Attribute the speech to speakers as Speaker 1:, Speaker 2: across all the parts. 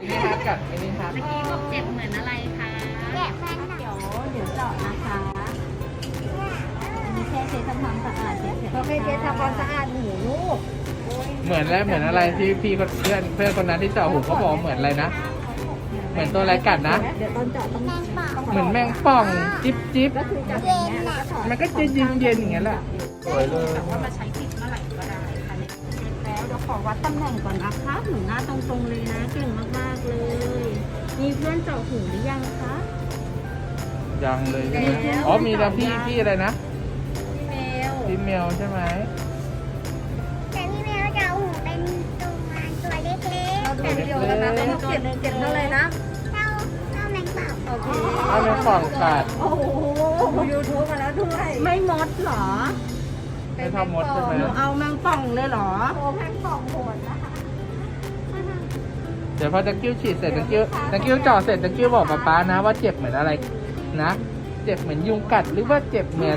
Speaker 1: มินิฮาร์ดกัดมินิฮาร์ด
Speaker 2: เมื่อกี้บอกเจ็บเหมือนอะไรคะเจ็บมันเดี๋ยวเจาะนะคะมีแค่เช็ดทำความสะอาดเฉยๆ
Speaker 3: เขาไม่เช็ดทำความสะอาดหูลูก
Speaker 1: เหมือนแล้วเหมือนอะไรที่พี่เพื่อนคนนั้นที่เจาะหูเขาบอกเหมือนอะไรนะเหมือนตัวอะไรกัดนะ
Speaker 3: เดี๋ยวตอนเจาะต้อง
Speaker 1: เหมือนแมงป่องจิ๊บจิ๊บ
Speaker 3: ก็คือจับอย่างเงี้ยแล้วก็ถอด
Speaker 1: มันก็จะเย็นเย็นๆอย่างเงี้ยแหละสวยเลย
Speaker 2: แต่ว่ามาใช้ติดเมื่อไหร่ก็ได้ค่ะเนี่ยเสร็จแล้วเดี๋ยวขอวัดตำแหน่งก่อนนะคะหนูหน้าตรงๆเลยนะเก่งมากๆเลย มีเพื่อนเจาะหูหรือยังคะ
Speaker 1: ยังเลยใช่ไหมอ๋อมีแล้วพี่อะไรนะ
Speaker 2: พี่เมล
Speaker 1: พี่เมลใช่ไหม
Speaker 4: แต่พี่แมวจะเอาหูเป็นตัวเล็ก
Speaker 3: เราดูวิดีโอกันนะแล้วเราเก็บเท่าไหร่นะ
Speaker 4: ๆเท่าแมงป่อง
Speaker 3: โอเค
Speaker 1: เอาแมงป่องกัด
Speaker 3: โอ้โหดู YouTube มาแล้วด้วย
Speaker 2: ไม่มดเหรอ
Speaker 1: ไม่ทำมดใช่ไหม
Speaker 2: หนูเอาแมงป่องเลยเหรอ
Speaker 3: โอ้แพงป่องโหดนะคะ
Speaker 1: เดี๋ยวพอตะกิ้วฉีดเสร็จตะกิ้วเจาะเสร็จตะกิ้วบอกป๊านะว่าเจ็บเหมือนอะไรนะเจ็บเหมือนยุงกัดหรือว่าเจ็บเหมือน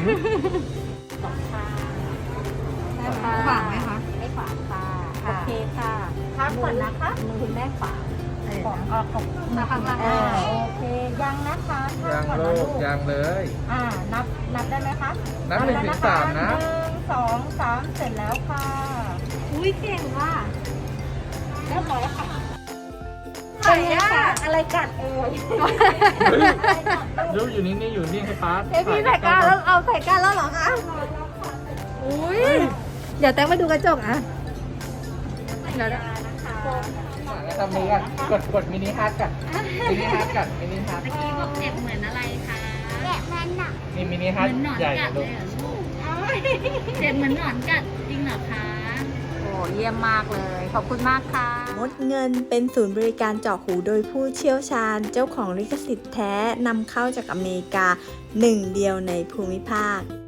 Speaker 3: ขวางไหมคะ
Speaker 2: ไม่ขวางค่ะ โอเคค่ะพักก่อนนะคะ
Speaker 3: มือคุณแม่ขวาง
Speaker 2: ของของมาข้างล่างโอเค ยังนะคะพัก
Speaker 1: ยัง
Speaker 2: ก่อน
Speaker 1: โล
Speaker 2: นะ
Speaker 1: กยังเลย
Speaker 2: นับได้ไหมคะ
Speaker 1: นับ1 ถึง 3นะ
Speaker 2: 1 2 3 เสร็จแล้วค่ะ อุ้ยเก่งว่ะเรียบร้อยค่ะ
Speaker 3: เป็นไงคะอะไรกัดเอ่ย
Speaker 1: เฮ้ยยูอยู่นี่อยู่นี่ให้ป๊า
Speaker 3: เอ้ยพี่ใส่ก้านแล้วเอาใส่ก้านแล้วเหรอคะอุ้ยเดี๋ยวแตงมาดูกระจกอ่ะเดี๋ยว
Speaker 1: ทำมือกันกดมินิฮาร์ดกัดมินิฮาร์ดกัดมินิฮาร์ด
Speaker 2: เมื่อกี้บอกเจ็บเหมือนอะไรคะ
Speaker 4: แกะมันหนัก
Speaker 1: นี่มินิ
Speaker 2: เห
Speaker 1: ฮาร์ด
Speaker 2: มือนหนอน
Speaker 1: ใหญ่
Speaker 2: กัด
Speaker 1: ลู
Speaker 2: เล
Speaker 1: ก
Speaker 2: ยเหรอลูกเจ็บเหมือนหนอนกัดจริงเหรอคะ โอ้เยี่ยมมากเลย ขอบคุณมากค่ะ
Speaker 5: มดเงินเป็นศูนย์บริการเจาะหูโดยผู้เชี่ยวชาญ เจ้าของลิขสิทธิ์แท้นำเข้าจากอเมริกาหนึ่งเดียวในภูมิภาค